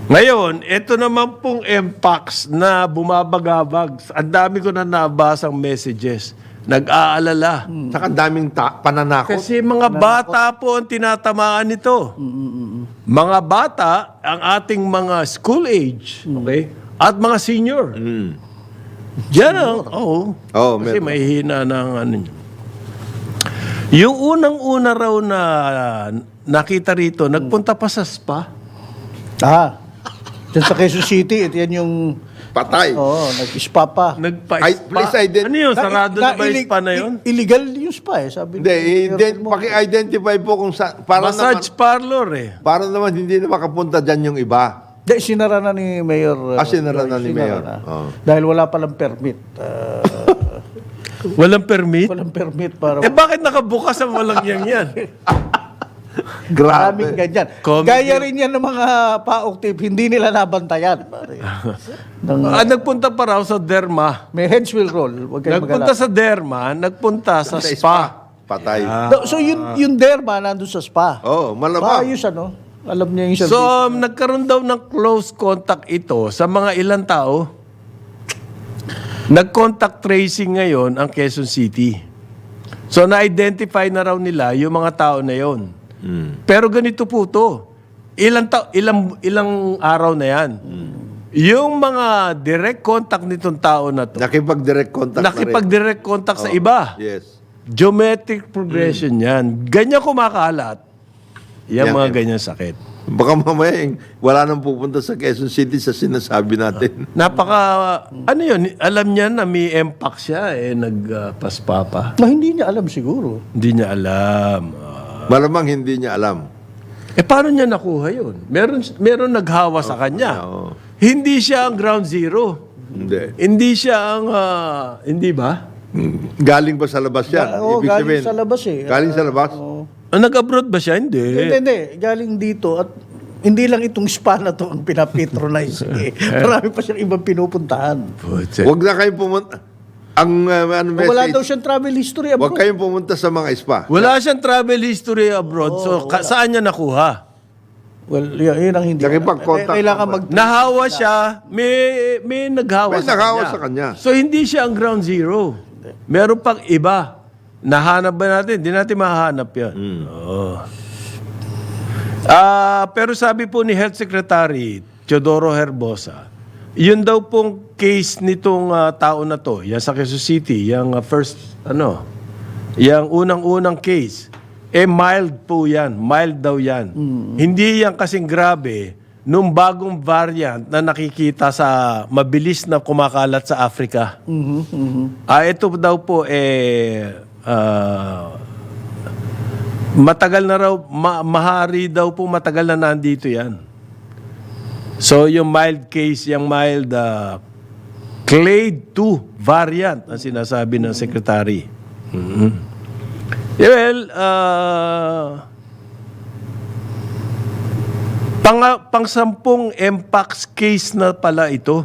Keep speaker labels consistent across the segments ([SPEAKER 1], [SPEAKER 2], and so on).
[SPEAKER 1] Ngayon, ito naman pong Mpox na bumabagabag. Ang dami ko na nabasang messages. Nag-aalala.
[SPEAKER 2] Saka daming pananakot.
[SPEAKER 1] Kasi mga bata po ang tinatamaan nito. Mga bata, ang ating mga school age, okay? At mga senior. Diyan ang, kasi
[SPEAKER 2] meron.
[SPEAKER 1] may hina ng ano niya. Yung unang-una raw na nakita rito, nagpunta pa sa spa.
[SPEAKER 3] Diyan sa Quezon City, ito yan yung...
[SPEAKER 2] Patay.
[SPEAKER 3] Nag-spa pa.
[SPEAKER 2] Please
[SPEAKER 1] Ano yun? Sarado na ba yung spa na yun?
[SPEAKER 3] Illegal yung spa sabi
[SPEAKER 2] Hindi, paki-identify po kung sa...
[SPEAKER 1] Massage parlor
[SPEAKER 2] Para naman hindi na makapunta dyan yung iba.
[SPEAKER 3] Hindi, sinara na ni Mayor.
[SPEAKER 2] Sinara na ni Mayor.
[SPEAKER 3] Dahil wala palang permit.
[SPEAKER 1] Walang permit?
[SPEAKER 3] Walang permit para...
[SPEAKER 1] Bakit nakabukas ang walang yan?
[SPEAKER 3] Maraming ganyan.
[SPEAKER 1] Comedy.
[SPEAKER 3] Gaya rin yan ng mga paok tip, hindi nila nabantayan.
[SPEAKER 1] Nagpunta pa raw sa derma.
[SPEAKER 3] May heads will roll. Huwag kayong
[SPEAKER 1] Nagpunta
[SPEAKER 3] mag-alala.
[SPEAKER 1] sa derma, nagpunta sa spa.
[SPEAKER 2] Patay.
[SPEAKER 3] So yung derma nandun sa spa.
[SPEAKER 2] Malamang.
[SPEAKER 3] Maayos alam niya yung
[SPEAKER 1] So,
[SPEAKER 3] service.
[SPEAKER 1] nagkaroon daw ng close contact ito sa mga ilang tao. Nag-contact tracing ngayon ang Quezon City. So, na-identify na raw nila yung mga tao na yon. Pero ganito po to. Ilang araw na yan. Yung mga direct contact nitong tao na to,
[SPEAKER 2] Nakipag-direct contact
[SPEAKER 1] nakipag-direct contact sa iba.
[SPEAKER 2] Yes.
[SPEAKER 1] Geometric progression yan. Ganyan kumakalat. Yan mga ganyan sakit.
[SPEAKER 2] Baka mamaya wala nang pupunta sa Quezon City sa sinasabi natin.
[SPEAKER 1] Ano yun, alam niya na may Mpox siya, nagpaspa pa.
[SPEAKER 3] Hindi niya alam siguro.
[SPEAKER 1] Hindi niya alam.
[SPEAKER 2] Malamang hindi niya alam.
[SPEAKER 1] Paano niya nakuha yun? Meron naghawa sa kanya. Hindi siya ang ground zero. Hindi siya ang, hindi ba?
[SPEAKER 2] Galing ba sa labas yan? Ibig
[SPEAKER 3] galing
[SPEAKER 2] sabihin,
[SPEAKER 3] sa labas
[SPEAKER 2] Galing sa labas?
[SPEAKER 1] Nag-abroad ba siya? Hindi.
[SPEAKER 3] Hindi. Galing dito at hindi lang itong spa na to ang pinapatronize. Marami pa siyang ibang pinupuntahan.
[SPEAKER 2] Huwag na kayong pumunta. Ang
[SPEAKER 3] Wala daw
[SPEAKER 2] message,
[SPEAKER 3] siyang travel history
[SPEAKER 2] huwag
[SPEAKER 3] abroad.
[SPEAKER 2] kayong pumunta sa mga spa.
[SPEAKER 1] Wala siyang travel history abroad. Saan niya nakuha?
[SPEAKER 3] Well, yun ang hindi.
[SPEAKER 2] Nakipag-contact
[SPEAKER 3] Kailangan
[SPEAKER 2] naman.
[SPEAKER 1] Nahawa siya, may naghawa
[SPEAKER 2] May
[SPEAKER 1] sa
[SPEAKER 2] naghawa
[SPEAKER 1] kanya.
[SPEAKER 2] sa kanya.
[SPEAKER 1] So, hindi siya ang ground zero. Meron pang iba. Nahanap ba natin? Hindi natin mahanap yan. Oo. Pero sabi po ni Health Secretary Teodoro Herbosa, yun daw pong case nitong tao na to, yan sa Quezon City, yung yung unang-unang case, mild po yan. Mild daw yan. Hindi yan kasing grabe nung bagong variant na nakikita sa mabilis na kumakalat sa Africa. Ito daw po, matagal na raw, mahari daw po matagal na nandito yan. So, yung mild case, yung mild clade 2 variant ang sinasabi ng secretary. Well, pang-sampung Mpox case na pala ito.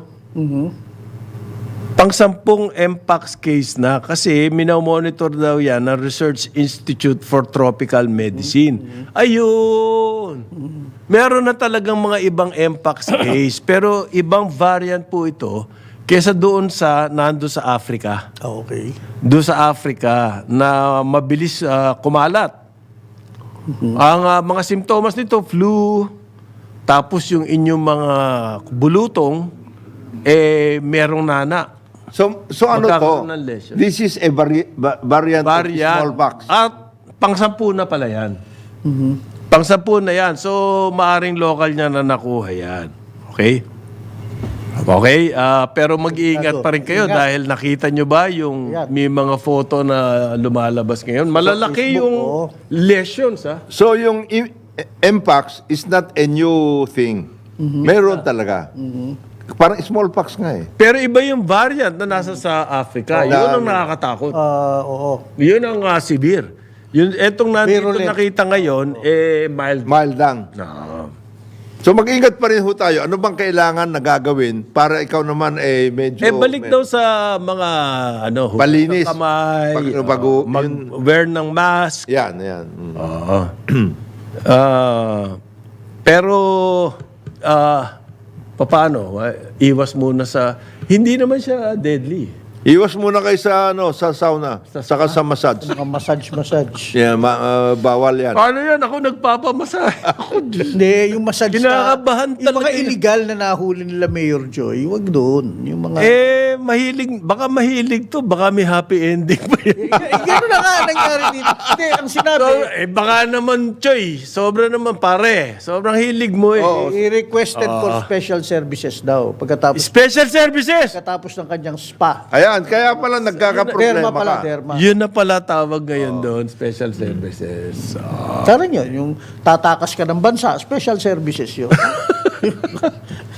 [SPEAKER 1] Pang-sampung Mpox case na kasi minomonitor daw yan ng Research Institute for Tropical Medicine. Ayun! Meron na talagang mga ibang Mpox case pero ibang variant po ito kesa doon nando sa Africa.
[SPEAKER 3] Okay.
[SPEAKER 1] Doon sa Africa na mabilis kumalat. Ang mga simptomas nito, flu, tapos yung inyong mga bulutong, merong nana.
[SPEAKER 2] So ano to?
[SPEAKER 1] Magkakaroon ng lesion.
[SPEAKER 2] This is a variant of smallpox.
[SPEAKER 1] At pang-10 na pala yan. Pang-10 na yan. So, maaring local niya na nakuha yan. Okay? Okay? Pero mag-iingat pa rin kayo dahil nakita nyo ba yung may mga photo na lumalabas ngayon? Malalaki yung lesions, ha?
[SPEAKER 2] So yung Mpox is not a new thing. Meron talaga. Parang smallpox nga eh.
[SPEAKER 1] Pero iba yung variant na nasa sa Africa. Yun ang nakakatakot.
[SPEAKER 3] Oo.
[SPEAKER 1] Yun ang severe. Etong nandito
[SPEAKER 3] Virulent.
[SPEAKER 1] nakita ngayon, mild.
[SPEAKER 2] Mild lang. So mag-ingat pa rin ho tayo. Ano bang kailangan na gagawin para ikaw naman medyo...
[SPEAKER 1] Balik daw sa mga hugas
[SPEAKER 2] Palinis.
[SPEAKER 1] ng kamay, wear ng mask.
[SPEAKER 2] Yan.
[SPEAKER 1] Pero paano? Iwas muna sa... Hindi naman siya deadly.
[SPEAKER 2] Iwas muna kayo sa, sa sauna, saka sa massage.
[SPEAKER 3] Mga massage.
[SPEAKER 2] Yeah, bawal yan.
[SPEAKER 1] Paano yan? Ako nagpapamasahe. Ako, Diyos.
[SPEAKER 3] Hindi, yung massage
[SPEAKER 1] Kinakabahan
[SPEAKER 3] yung mga
[SPEAKER 1] talaga yun.
[SPEAKER 3] illegal na nahuli nila Mayor Joy, wag doon. Yung mga...
[SPEAKER 1] Baka mahilig to. Baka may happy ending pa yun.
[SPEAKER 3] Gano'n na nga nangyari dito. Hindi, ang sinabi,
[SPEAKER 1] Baka naman, Choy. Sobra naman, pare. Sobrang hilig mo eh.
[SPEAKER 3] i-requested for special services daw pagkatapos
[SPEAKER 1] Special services!
[SPEAKER 3] ng kanyang spa.
[SPEAKER 2] Ayan, kaya pala nagkakaproblema
[SPEAKER 3] Derma pala,
[SPEAKER 2] ka.
[SPEAKER 3] derma.
[SPEAKER 1] Yun na pala tawag ngayon doon, special services.
[SPEAKER 3] Sana yun, yung tatakas ka ng bansa, special services yun.